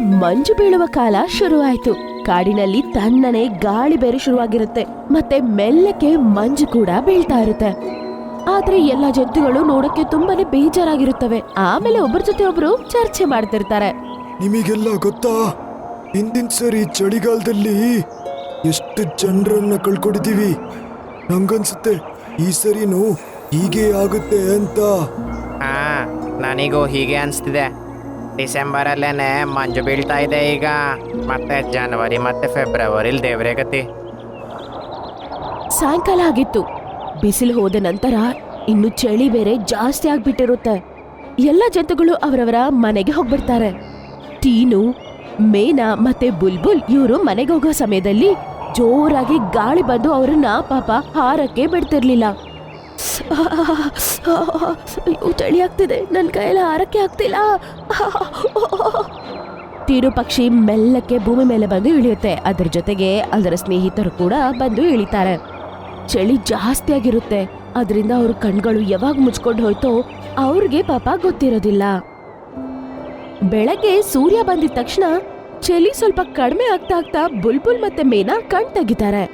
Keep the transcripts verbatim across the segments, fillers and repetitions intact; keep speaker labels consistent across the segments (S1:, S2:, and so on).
S1: ಮಂಜು ಬೀಳುವ ಕಾಲ ಶುರುವಾಯ್ತು. ಕಾಡಿನಲ್ಲಿ ತಣ್ಣನೆ ಗಾಳಿ ಬೇರೆ ಶುರುವಾಗಿರುತ್ತೆ, ಮತ್ತೆ ಮೆಲ್ಲಕ್ಕೆ ಮಂಜು ಕೂಡ ಬೀಳ್ತಾ ಇರುತ್ತೆ. ಆದ್ರೆ ಎಲ್ಲಾ ಜಂತುಗಳು ನೋಡಕ್ಕೆ ತುಂಬಾನೇ ಬೇಜಾರಾಗಿರುತ್ತವೆ. ಆಮೇಲೆ ಒಬ್ಬರ ಜೊತೆ ಒಬ್ರು ಚರ್ಚೆ ಮಾಡ್ತಿರ್ತಾರೆ.
S2: ನಿಮಗೆಲ್ಲ ಗೊತ್ತಾ, ಹಿಂದಿನ ಸರಿ ಚಳಿಗಾಲದಲ್ಲಿ ಎಷ್ಟು ಜನರನ್ನ ಕಳ್ಕೊಂಡಿದೀವಿ. ನಂಗನ್ಸುತ್ತೆ ಈ ಸರಿನೂ ಹೀಗೆ ಆಗುತ್ತೆ ಅಂತ.
S3: ಹಾ, ನನಗೂ ಹೀಗೆ ಅನಿಸ್ತಿದೆ. ಡಿಸೆಂಬರಲ್ಲೇನೆ ಮಂಜು ಬೀಳ್ತಾ ಇದೆ ಈಗ. ಮತ್ತೆ ಜನವರಿ ಮತ್ತೆ ಫೆಬ್ರವರಿಲಿ ದೇವ್ರೇ ಗತಿ.
S1: ಸಾಯಂಕಾಲ ಆಗಿತ್ತು. ಬಿಸಿಲು ಹೋದ ನಂತರ ಇನ್ನು ಚಳಿ ಬೇರೆ ಜಾಸ್ತಿ ಆಗ್ಬಿಟ್ಟಿರುತ್ತೆ. ಎಲ್ಲ ಜಂತುಗಳು ಅವರವರ ಮನೆಗೆ ಹೋಗ್ಬಿಡ್ತಾರೆ. ಟೀನು, ಮೇನಾ ಮತ್ತೆ ಬುಲ್ಬುಲ್ ಇವರು ಮನೆಗೆ ಹೋಗೋ ಸಮಯದಲ್ಲಿ ಜೋರಾಗಿ ಗಾಳಿ ಬಂದು ಅವ್ರನ್ನ ಪಾಪ ಹಾರಕ್ಕೆ ಬಿಡ್ತಿರ್ಲಿಲ್ಲ. ಚಳಿ ಆಗ್ತಿದೆ, ನನ್ ಕೈಯಲ್ಲಿ ಹಾರಕ್ಕೆ ಆಗ್ತಿಲ್ಲ. ಟೀನು ಪಕ್ಷಿ ಮೆಲ್ಲಕ್ಕೆ ಭೂಮಿ ಮೇಲೆ ಬಂದು ಇಳಿಯುತ್ತೆ. ಅದರ ಜೊತೆಗೆ ಅದರ ಸ್ನೇಹಿತರು ಕೂಡ ಬಂದು ಇಳಿತಾರೆ. ಚಳಿ ಜಾಸ್ತಿ ಆಗಿರುತ್ತೆ, ಅದರಿಂದ ಅವ್ರ ಕಣ್ಗಳು ಯಾವಾಗ ಮುಚ್ಕೊಂಡು ಹೋಯ್ತೋ ಅವ್ರಿಗೆ ಪಾಪ ಗೊತ್ತಿರೋದಿಲ್ಲ. ಬೆಳಗ್ಗೆ ಸೂರ್ಯ ಬಂದಿದ ತಕ್ಷಣ ಚಳಿ ಸ್ವಲ್ಪ ಕಡಿಮೆ ಆಗ್ತಾ ಆಗ್ತಾ ಬುಲ್ಬುಲ್ ಮತ್ತೆ ಮೇನಾ ಕಣ್ ತೆಗಿತಾರೆ.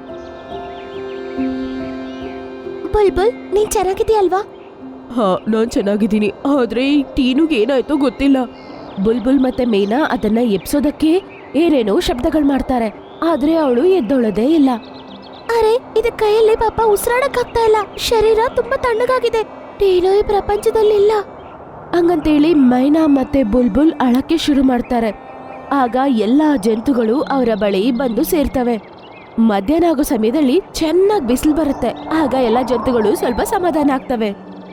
S1: ಬುಲ್ಬುಲ್, ನೀನ್ ಚೆನ್ನಾಗಿದೆಯಲ್ವಾ? ಹಾ, ನಾನ್ ಚೆನ್ನಾಗಿದ್ದೀನಿ. ಆದ್ರೆ ಈ ಟೀನುಗೆ ಏನಾಯ್ತೋ ಗೊತ್ತಿಲ್ಲ. ಬುಲ್ಬುಲ್ ಮತ್ತೆ ಮೇನಾ ಅದನ್ನ ಎಬ್ಸೋದಕ್ಕೆ ಏನೇನೋ ಶಬ್ದಗಳು ಮಾಡ್ತಾರೆ, ಆದ್ರೆ ಅವಳು ಎದ್ದೊಳದೇ ಇಲ್ಲ. ಅರೆ, ಇದ ಕೈಯಲ್ಲಿ ಪಾಪ ಉಸಿರಾಡಕ್ ಆಗ್ತಾ ಇಲ್ಲ. ಶರೀರ ತುಂಬಾ ತಣ್ಣಗಾಗಿದೆ. ಟೀನು ಈ ಪ್ರಪಂಚದಲ್ಲಿ ಇಲ್ಲ ಹಂಗಂತೇಳಿ ಮೈನಾ ಮತ್ತೆ ಬುಲ್ಬುಲ್ ಅಳಕ್ಕೆ ಶುರು ಮಾಡ್ತಾರೆ. ಆಗ ಎಲ್ಲಾ ಜಂತುಗಳು ಅವರ ಬಳಿ ಬಂದು ಸೇರ್ತವೆ. ಮಧ್ಯಾಹ್ನ ಆಗೋ ಸಮಯದಲ್ಲಿ ಚೆನ್ನಾಗಿ ಬಿಸಿಲು ಬರುತ್ತೆ. ಆಗ ಎಲ್ಲಾ ಜಂತುಗಳು ಸ್ವಲ್ಪ ಸಮಾಧಾನ ಆಗ್ತವೆ.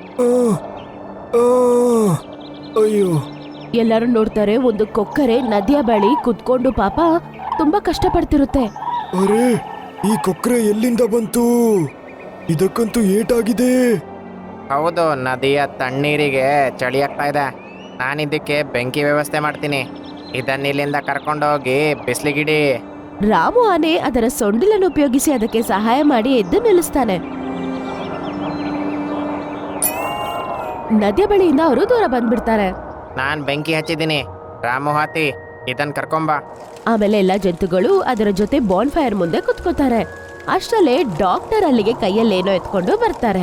S2: ಅಯ್ಯೋ,
S1: ಎಲ್ಲರೂ ನೋಡ್ತಾರೆ, ಒಂದು ಕೊಕ್ಕರೆ ನದಿಯ ಬಳಿ ಕುತ್ಕೊಂಡು ಪಾಪ ತುಂಬಾ ಕಷ್ಟ ಪಡ್ತಿರುತ್ತೆ.
S2: ಅರೆ, ಈ ಕೊಕ್ರೆ ಎಲ್ಲಿಂದ ಬಂತು? ಇದಕ್ಕಂತೂ ಏಟಾಗಿದೆ.
S3: ಹೌದು, ನದಿಯ ತಣ್ಣೀರಿಗೆ ಚಳಿ ಆಗ್ತಾ ಇದೆ. ನಾನಿದ್ದಕ್ಕೆ ಬೆಂಕಿ ವ್ಯವಸ್ಥೆ ಮಾಡ್ತೀನಿ. ಇದನ್ನ ಇಲ್ಲಿಂದ ಕರ್ಕೊಂಡೋಗಿ ಬಿಸಿಲಿಗಿಡಿ.
S1: ರಾಮು ಆನೆ ಅದರ ಸೊಂಡಿಲನ್ನು ಉಪಯೋಗಿಸಿ ಅದಕ್ಕೆ ಸಹಾಯ ಮಾಡಿ ಎದ್ದು ನಿಲ್ಲಿಸ್ತಾನೆ. ನದಿಯ ಬಳಿಯಿಂದ ಅವರು ದೂರ ಬಂದ್ಬಿಡ್ತಾರೆ.
S3: ನಾನ್ ಬೆಂಕಿ ಹಚ್ಚಿದ್ದೀನಿ. ರಾಮು ಹಾತಿ, ಇದನ್ ಕರ್ಕೊಂಬ.
S1: ಆಮೇಲೆ ಎಲ್ಲಾ ಜಂತುಗಳು ಅದರ ಜೊತೆ ಬಾನ್ ಫೈರ್ ಮುಂದೆ ಕುತ್ಕೋತಾರೆ. ಅಷ್ಟರಲ್ಲೇ ಡಾಕ್ಟರ್ ಅಲ್ಲಿಗೆ ಕೈಯಲ್ಲೇನೋ ಎತ್ಕೊಂಡು ಬರ್ತಾರೆ.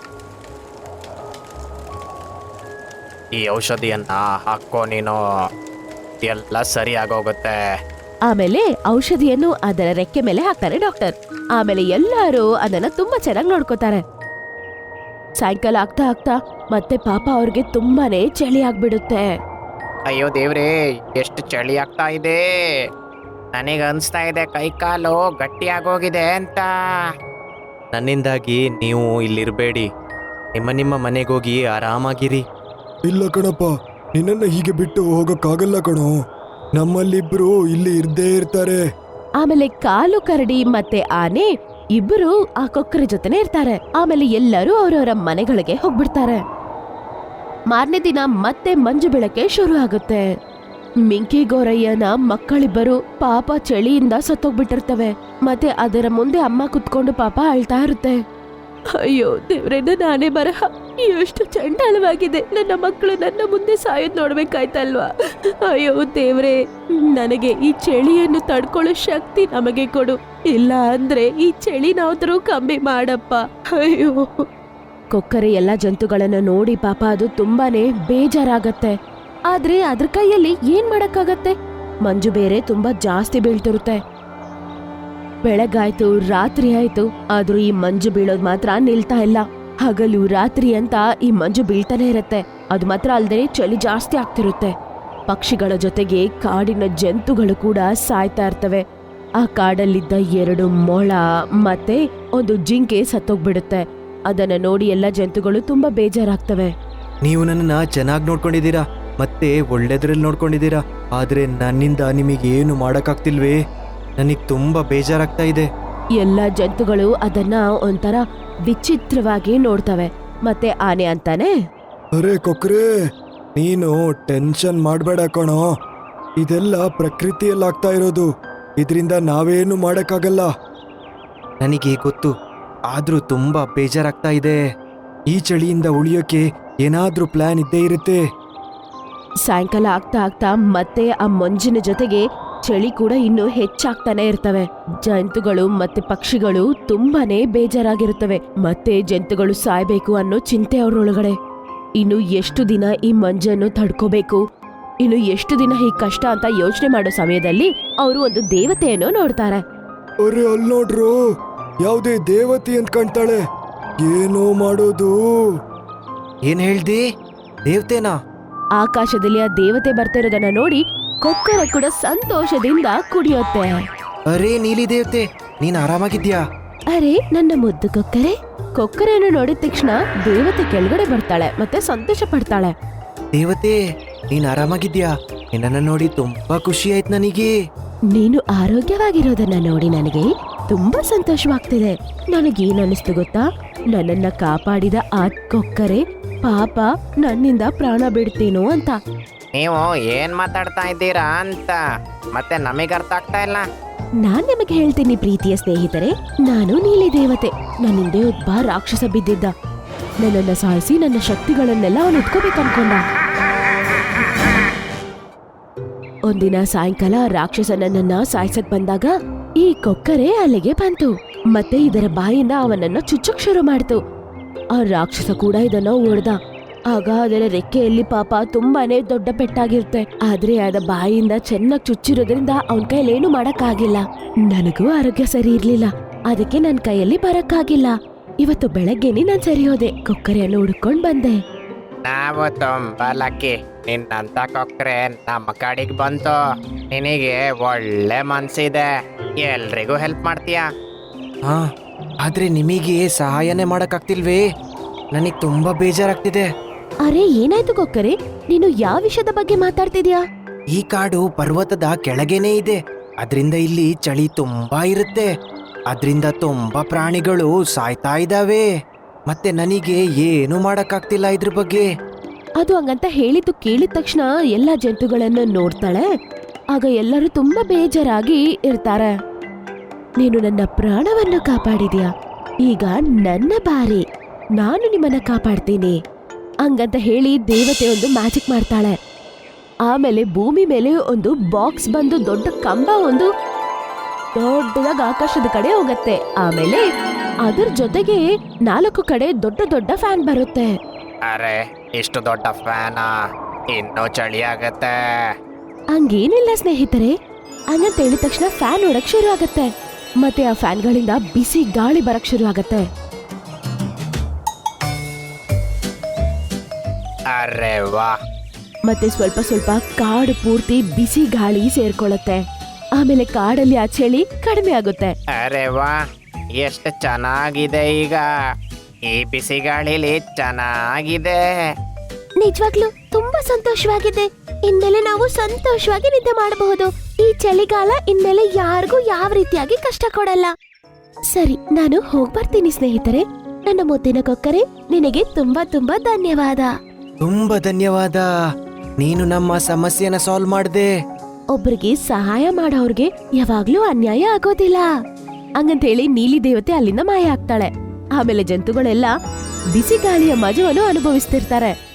S3: ಈ ಔಷಧಿಯನ್ನ ಹಾಕೋ ನೀನು, ಎಲ್ಲ ಸರಿ ಆಗೋಗುತ್ತೆ.
S1: ಆಮೇಲೆ ಔಷಧಿಯನ್ನು ಅದರ ರೆಕ್ಕೆ ಮೇಲೆ ಹಾಕ್ತಾರೆ ಡಾಕ್ಟರ್. ಆಮೇಲೆ ಎಲ್ಲರೂ ಅದನ್ನ ತುಂಬಾ ಚೆನ್ನಾಗಿ ನೋಡ್ಕೋತಾರೆ. ಸಾಯಂಕಾಲ ಆಗ್ತಾ ಆಗ್ತಾ ಮತ್ತೆ ಪಾಪ ಅವ್ರಿಗೆ ತುಂಬಾನೇ ಚಳಿ ಆಗ್ಬಿಡುತ್ತೆ.
S3: ಅಯ್ಯೋ ದೇವ್ರೇ, ಎಷ್ಟು ಚಳಿ ಆಗ್ತಾ ಇದೆ. ನನಗೆ ಅನಿಸ್ತಾ ಇದೆ ಕೈ ಕಾಲು ಗಟ್ಟಿ ಆಗೋಗಿದೆ ಅಂತ. ನನ್ನಿಂದಾಗಿ ನೀವು ಇಲ್ಲಿರಬೇಡಿ. ನಿಮ್ಮ ನಿಮ್ಮ ಮನೆಗೋಗಿ ಆರಾಮಾಗಿರಿ.
S2: ಇಲ್ಲ ಕಣಪ್ಪ, ನಿನ್ನನ್ನ ಹೀಗೆ ಬಿಟ್ಟು ಹೋಗಕ್ಕಾಗಲ್ಲ ಕಣೋ. ನಮ್ಮಲ್ಲಿಬ್ರು ಇಲ್ಲಿ ಇರ್ದೇ ಇರ್ತಾರೆ.
S1: ಆಮೇಲೆ ಕಾಲು ಕರಡಿ ಮತ್ತೆ ಆನೆ ಇಬ್ಬರು ಆ ಕೊಕ್ಕರೆ ಜೊತೆನೆ ಇರ್ತಾರೆ. ಆಮೇಲೆ ಎಲ್ಲರೂ ಅವರವರ ಮನೆಗಳಿಗೆ ಹೋಗ್ಬಿಡ್ತಾರೆ. ಮಾರನೇ ದಿನ ಮತ್ತೆ ಮಂಜು ಬೀಳಕ್ಕೆ ಶುರು ಆಗುತ್ತೆ. ಮಿಂಕಿ ಗೋರಯ್ಯನ ಮಕ್ಕಳಿಬ್ಬರು ಪಾಪ ಚಳಿಯಿಂದ ಸತ್ತೋಗ್ಬಿಟ್ಟಿರ್ತವೆ. ಮತ್ತೆ ಅದರ ಮುಂದೆ ಅಮ್ಮ ಕುತ್ಕೊಂಡು ಪಾಪ ಅಳ್ತಾ ಇರುತ್ತೆ. ಅಯ್ಯೋ ದೇವ್ರೆ, ನನ್ನ ಆನೆ ಬರಹ ಎಷ್ಟು ಚಂಡಾಲವಾಗಿದೆ. ನನ್ನ ಮಕ್ಕಳು ನನ್ನ ಮುಂದೆ ಸಾಯೋದ್ ನೋಡ್ಬೇಕಾಯ್ತಲ್ವಾ? ಅಯ್ಯೋ ದೇವ್ರೆ, ನನಗೆ ಈ ಚಳಿಯನ್ನು ತಡ್ಕೊಳ್ಳೋ ಶಕ್ತಿ ನಮಗೆ ಕೊಡು. ಇಲ್ಲ ಅಂದ್ರೆ ಈ ಚಳಿನಾದ್ರೂ ಕಮ್ಮಿ ಮಾಡಪ್ಪ. ಅಯ್ಯೋ. ಕೊಕ್ಕರೆ ಎಲ್ಲ ಜಂತುಗಳನ್ನ ನೋಡಿ ಪಾಪ ಅದು ತುಂಬಾನೇ ಬೇಜಾರಾಗತ್ತೆ. ಆದ್ರೆ ಅದ್ರ ಕೈಯಲ್ಲಿ ಏನ್ ಮಾಡಕ್ಕಾಗತ್ತೆ? ಮಂಜು ಬೇರೆ ತುಂಬಾ ಜಾಸ್ತಿ ಬೀಳ್ತಿರುತ್ತೆ. ಬೆಳಗಾಯ್ತು, ರಾತ್ರಿ ಆಯ್ತು, ಆದ್ರೂ ಈ ಮಂಜು ಬೀಳೋದ್ ಮಾತ್ರ ನಿಲ್ತಾ ಇಲ್ಲ. ಹಗಲು ರಾತ್ರಿ ಅಂತ ಈ ಮಂಜು ಬೀಳ್ತಾನೆ ಇರತ್ತೆ. ಅದು ಮಾತ್ರ ಅಲ್ದೇ ಚಳಿ ಜಾಸ್ತಿ ಆಗ್ತಿರುತ್ತೆ. ಪಕ್ಷಿಗಳ ಜೊತೆಗೆ ಕಾಡಿನ ಜಂತುಗಳು ಕೂಡ ಸಾಯ್ತಾ ಇರ್ತವೆ. ಆ ಕಾಡಲ್ಲಿದ್ದ ಎರಡು ಮೊಳ ಮತ್ತೆ ಒಂದು ಜಿಂಕೆ ಸತ್ತೋಗ್ಬಿಡುತ್ತೆ. ಅದನ್ನ ನೋಡಿ ಎಲ್ಲ ಜಂತುಗಳು ತುಂಬಾ ಬೇಜಾರಾಗ್ತವೆ.
S4: ನೀವು ನನ್ನನ್ನ ಚೆನ್ನಾಗಿ ನೋಡ್ಕೊಂಡಿದ್ದೀರಾ, ಮತ್ತೆ ಒಳ್ಳೆದ್ರಲ್ಲಿ ನೋಡ್ಕೊಂಡಿದ್ದೀರಾ. ಆದ್ರೆ ನನ್ನಿಂದ ನಿಮಗೆ ಏನು ಮಾಡಕ್ಕಾಗ್ತಿಲ್ವೇ? ನನಗ್ ತುಂಬಾ ಬೇಜಾರಾಗ್ತಾ ಇದೆ.
S1: ಎಲ್ಲ ಜಂತುಗಳು ಅದನ್ನ ಒಂಥರ ವಿಚಿತ್ರವಾಗಿ ನೋಡ್ತವೆ. ಮತ್ತೆ ಆನೆ ಅಂತಾನೆ,
S2: ಅರೆ ಕೊಕ್ರೆ, ನೀನು ಟೆನ್ಷನ್ ಮಾಡ್ಬೇಡ ಕಣೋ. ಇದೆಲ್ಲ ಪ್ರಕೃತಿಯಲ್ಲಾಗ್ತಾ ಇರೋದು. ಇದರಿಂದ ನಾವೇನು ಮಾಡಕ್ಕಾಗಲ್ಲ.
S4: ನನಗೆ ಗೊತ್ತು, ಆದ್ರೂ ತುಂಬಾ ಬೇಜಾರಾಗ್ತಾ ಇದೆ.
S2: ಈ ಚಳಿಯಿಂದ ಉಳಿಯೋಕೆ ಏನಾದ್ರೂ ಪ್ಲಾನ್ ಇದ್ದೇ ಇರುತ್ತೆ.
S1: ಸಾಯಂಕಾಲ ಆಗ್ತಾ ಆಗ್ತಾ ಮತ್ತೆ ಆ ಮಂಜಿನ ಜೊತೆಗೆ ಚಳಿ ಕೂಡ ಇನ್ನು ಹೆಚ್ಚಾಗ್ತಾನೆ ಇರ್ತವೆ. ಜಂತುಗಳು ಮತ್ತೆ ಪಕ್ಷಿಗಳು ತುಂಬಾನೇ ಬೇಜಾರಾಗಿರುತ್ತವೆ. ಮತ್ತೆ ಜಂತುಗಳು ಸಾಯ್ಬೇಕು ಅನ್ನೋ ಚಿಂತೆ ಅವ್ರೊಳಗಡೆ. ಇನ್ನು ಎಷ್ಟು ದಿನ ಈ ಮಂಜನ್ನು ತಡ್ಕೋಬೇಕು, ಇನ್ನು ಎಷ್ಟು ದಿನ ಈ ಕಷ್ಟ ಅಂತ ಯೋಚನೆ ಮಾಡೋ ಸಮಯದಲ್ಲಿ ಅವರು ಒಂದು ದೇವತೆಯನ್ನು ನೋಡ್ತಾರೆ.
S2: ಅರೆ ಅಲ್ ನೋಡ್ರು, ಯಾವ್ದೇ ದೇವತೆ ಅಂತ ಕಾಣ್ತಾಳೆ. ಏನೋ ಮಾಡೋದು?
S4: ಏನ್ ಹೇಳ್ದಿ? ದೇವ್ತೇನಾ?
S1: ಆಕಾಶದಲ್ಲಿ ಆ ದೇವತೆ ಬರ್ತಿರೋದನ್ನ ನೋಡಿ ಕೊಕ್ಕರೆ ಕೂಡ ಸಂತೋಷದಿಂದ ಕುಡಿಯುತ್ತೆ.
S4: ಅರೇ ನೀಲಿ ದೇವತೆ, ನೀನ್ ಆರಾಮಾಗಿದ್ಯಾ?
S1: ಅರೆ ನನ್ನ ಮುದ್ದು ಕೊಕ್ಕರೆ. ಕೊಕ್ಕರೆಯನ್ನು ನೋಡಿದ ತಕ್ಷಣ ದೇವತೆ ಕೆಳಗಡೆ ಬರ್ತಾಳೆ ಮತ್ತೆ ಸಂತೋಷ ಪಡ್ತಾಳೆ.
S4: ದೇವತೆ, ನೀನ್ ಆರಾಮಾಗಿದ್ಯಾ? ನಿನ್ನನ್ನ ನೋಡಿ ತುಂಬಾ ಖುಷಿ ಆಯ್ತು ನನಗೆ.
S1: ನೀನು ಆರೋಗ್ಯವಾಗಿರೋದನ್ನ ನೋಡಿ ನನಗೆ ತುಂಬಾ ಸಂತೋಷವಾಗ್ತಿದೆ. ನನಗೇನ್ ಅನಿಸ್ತು ಗೊತ್ತಾ, ನನ್ನನ್ನ ಕಾಪಾಡಿದ ಆ ಕೊಕ್ಕರೆ ಪಾಪ ನನ್ನಿಂದ ಪ್ರಾಣ ಬಿಡ್ತೇನೋ ಅಂತ.
S3: ನೀವು ಏನ್ ಮಾತಾಡ್ತಾ ಇದ್ದೀರಾ ಅಂತ ಮತ್ತೆ ನಮಗೆ ಅರ್ಥ ಆಗ್ತಾ ಇಲ್ಲ.
S1: ನಾನ್ ನಿಮಗೆ ಹೇಳ್ತೀನಿ ಪ್ರೀತಿಯ ಸ್ನೇಹಿತರೆ, ನಾನು ನೀಲಿ ದೇವತೆ. ನನ್ನ ಹಿಂದೆ ಒಬ್ಬ ರಾಕ್ಷಸ ಬಿದ್ದಿದ್ದ. ನನ್ನನ್ನ ಸಾಯಿಸಿ ನನ್ನ ಶಕ್ತಿಗಳನ್ನೆಲ್ಲ ಅವನು ಇಟ್ಕೋಬೇಕು ಅನ್ಕೊಂಡ. ಒಂದಿನ ಸಾಯಂಕಾಲ ರಾಕ್ಷಸ ನನ್ನನ್ನ ಸಾಯಿಸಕ್ ಬಂದಾಗ ಈ ಕೊಕ್ಕರೆ ಅಲ್ಲಿಗೆ ಬಂತು ಮತ್ತೆ ಇದರ ಬಾಯಿಂದ ಅವನನ್ನ ಚುಚ್ಚಕ್ ಶುರು ಮಾಡ್ತು. ಆ ರಾಕ್ಷಸ ಕೂಡ ಇದನ್ನ ಓಡ್ದ. ಆಗ ಅದರ ರೆಕ್ಕೆಯಲ್ಲಿ ಪಾಪ ತುಂಬಾನೇ ದೊಡ್ಡ ಪೆಟ್ಟಾಗಿರುತ್ತೆ. ಆದ್ರೆ ಅದ ಬಾಯಿಂದ ಚೆನ್ನಾಗ್ ಚುಚ್ಚಿರೋದ್ರಿಂದ ಅವನ್ ಕೈಲೇನು ಮಾಡಕ್ಕಾಗಿಲ್ಲ. ನನಗೂ ಆರೋಗ್ಯ ಸರಿ ಇರ್ಲಿಲ್ಲ, ಅದಕ್ಕೆ ನನ್ ಕೈಯಲ್ಲಿ ಬರಕ್ಕಾಗಿಲ್ಲ. ಇವತ್ತು ಬೆಳಗ್ಗೆನೆ ನಾನ್ ಸರಿ ಹೋದೆ, ಕೊಕ್ಕರೆಯನ್ನು ಹುಡ್ಕೊಂಡ್ ಬಂದೆ.
S3: ನಾವು ತುಂಬಾ ಲಕ್ಕಿ, ನಿನ್ನಂತ ಕೊಕ್ರೆ ನಮ್ಮ ಕಡೆಗೆ ಬಂತು. ನಿನಗೆ ಒಳ್ಳೆ ಮನ್ಸಿದೆ, ಎಲ್ರಿಗೂ ಹೆಲ್ಪ್ ಮಾಡ್ತೀಯಾ.
S4: ಹಾ, ಆದ್ರೆ ನಿಮಗೆ ಸಹಾಯನೇ ಮಾಡಕ್ಕಾಗ್ತಿಲ್ವೇ? ನನಗ್ ತುಂಬಾ ಬೇಜಾರಾಗ್ತಿದೆ.
S1: ಅರೆ ಏನಾಯ್ತು ಕೊಕ್ಕರೆ, ನೀನು ಯಾವ ವಿಷಯದ ಬಗ್ಗೆ ಮಾತಾಡ್ತಿದ್ಯಾ?
S4: ಈ ಕಾಡು ಪರ್ವತದ ಕೆಳಗೇನೆ ಇದೆ. ಅದ್ರಿಂದ ಇಲ್ಲಿ ಚಳಿ ತುಂಬಾ ಇರುತ್ತೆ. ಅದ್ರಿಂದ ತುಂಬಾ ಪ್ರಾಣಿಗಳು ಸಾಯ್ತಾ ಇದಾವೆ. ಮತ್ತೆ ನನಗೆ ಏನು ಮಾಡಕ್ಕಾಗ್ತಿಲ್ಲ ಇದ್ರ ಬಗ್ಗೆ.
S1: ಅದು ಹಂಗಂತ ಹೇಳಿದ್ದು ಕೇಳಿದ ತಕ್ಷಣ ಎಲ್ಲ ಜಂತುಗಳನ್ನು ನೋಡ್ತಾಳೆ. ಆಗ ಎಲ್ಲರೂ ತುಂಬಾ ಬೇಜಾರಾಗಿ ಇರ್ತಾರೆ. ನೀನು ನನ್ನ ಪ್ರಾಣವನ್ನು ಕಾಪಾಡಿದ್ಯಾ, ಈಗ ನನ್ನ ಬಾರಿ, ನಾನು ನಿಮ್ಮನ್ನ ಕಾಪಾಡ್ತೀನಿ ಹಂಗಂತ ಹೇಳಿ ದೇವತೆ ಒಂದು ಮ್ಯಾಜಿಕ್ ಮಾಡ್ತಾಳೆ. ಆಮೇಲೆ ಭೂಮಿ ಮೇಲೆ ಒಂದು ಬಾಕ್ಸ್ ಬಂದು ದೊಡ್ಡ ಕಂಬ ಒಂದು ದೊಡ್ಡದಾಗಿ ಆಕಾಶದ ಕಡೆ ಹೋಗತ್ತೆ. ಆಮೇಲೆ ಅದ್ರ ಜೊತೆಗೆ ನಾಲ್ಕು ಕಡೆ ದೊಡ್ಡ ದೊಡ್ಡ ಫ್ಯಾನ್ ಬರುತ್ತೆ.
S3: ಅರೆ ಇಷ್ಟು ದೊಡ್ಡ ಫ್ಯಾನ, ಇನ್ನೂ ಚಳಿ ಆಗತ್ತೆ.
S1: ಹಂಗೇನಿಲ್ಲ ಸ್ನೇಹಿತರೆ, ಹಂಗಂತ ಹೇಳಿದ ತಕ್ಷಣ ಫ್ಯಾನ್ ಓಡಕ್ ಶುರು ಆಗತ್ತೆ. ಮತ್ತೆ ಆ ಫ್ಯಾನ್ಗಳಿಂದ ಬಿಸಿ ಗಾಳಿ ಬರಕ್ ಶುರು ಆಗತ್ತೆ.
S3: ಅರೆ ವಾ.
S1: ಮತ್ತೆ ಸ್ವಲ್ಪ ಸ್ವಲ್ಪ ಕಾಡು ಪೂರ್ತಿ ಬಿಸಿ ಗಾಳಿ ಸೇರ್ಕೊಳ್ಳುತ್ತೆ. ಆಮೇಲೆ ಕಾಡಲ್ಲಿ ಆ ಚಳಿ ಕಡಿಮೆ ಆಗುತ್ತೆ.
S3: ಅರೆ ವಾ, ಎಷ್ಟು ಚೆನ್ನಾಗಿದೆ ಈಗ. ಈ ಬಿಸಿ ಗಾಳಿಲಿ ಚೆನ್ನಾಗಿದೆ.
S1: ನಿಜವಾಗ್ಲೂ ತುಂಬಾ ಸಂತೋಷವಾಗಿದೆ. ಇನ್ಮೇಲೆ ನಾವು ಸಂತೋಷವಾಗಿ ನಿದ್ದೆ ಮಾಡಬಹುದು. ಈ ಚಳಿಗಾಲ ಇನ್ಮೇಲೆ ಯಾರಿಗೂ ಯಾವ ರೀತಿಯಾಗಿ ಕಷ್ಟ ಕೊಡಲ್ಲ. ಸರಿ, ನಾನು ಹೋಗ್ಬರ್ತೀನಿ ಸ್ನೇಹಿತರೆ. ನನ್ನ ಮುದ್ದಿನ ಕೊಕ್ಕರೆ, ನಿನಗೆ ತುಂಬಾ ತುಂಬಾ ಧನ್ಯವಾದ.
S4: ತುಂಬಾ ಧನ್ಯವಾದ, ನೀನು ನಮ್ಮ ಸಮಸ್ಯೆನ ಸಾಲ್ವ್ ಮಾಡ್ದೆ.
S1: ಒಬ್ರಿಗೆ ಸಹಾಯ ಮಾಡೋರ್ಗೆ ಯಾವಾಗ್ಲೂ ಅನ್ಯಾಯ ಆಗೋದಿಲ್ಲ ಹಂಗಂತೇಳಿ ನೀಲಿ ದೇವತೆ ಅಲ್ಲಿಂದ ಮಾಯ ಆಗ್ತಾಳೆ. ಆಮೇಲೆ ಜಂತುಗಳೆಲ್ಲ ಬಿಸಿ ಗಾಳಿಯ ಮಜವನ್ನು ಅನುಭವಿಸ್ತಿರ್ತಾರೆ.